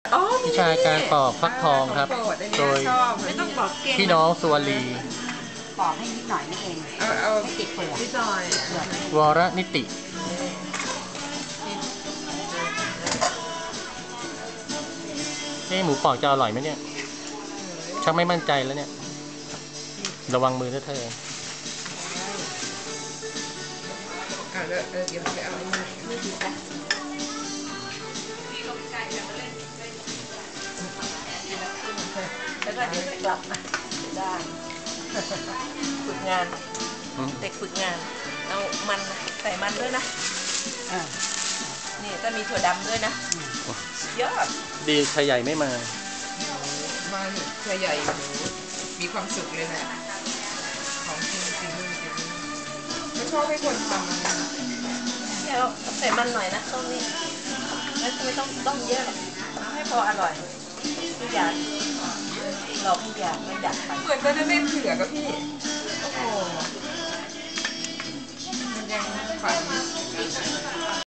วิชาการปอกฟักทองครับ โดยไม่ต้องปอกเก่งพี่น้องสุวรีปอกให้นิดหน่อยนี่เองไม่ติดเปลือกนิดหน่อยวรนิติหมูปอกจะอร่อยไหมเนี่ยชักไม่มั่นใจแล้วเนี่ยระวังมือนะเธอเดี๋ยวไปเอาอันนี้ไม่ดีจ้ะแล้วก็เดี๋ยวกลับมาได้ฝึกงานเด็กฝึกงานเอามันใส่มันด้วยนะนี่จะมีถั่วดำด้วยนะเยอะดีชายใหญ่ไม่มาชายใหญ่มีความสุขเลยนะของจริงจริงไม่ชอบให้คนทำเนี่ยเราใส่มันหน่อยนะตรงนี้แล้วไม่ต้องเยอะเอาให้พออร่อยทุกอย่างเราทุกอย่างไม่ดัดไปเหมือนก็จะไม่เผือกกับพี่โอ้โหมันยังฝัน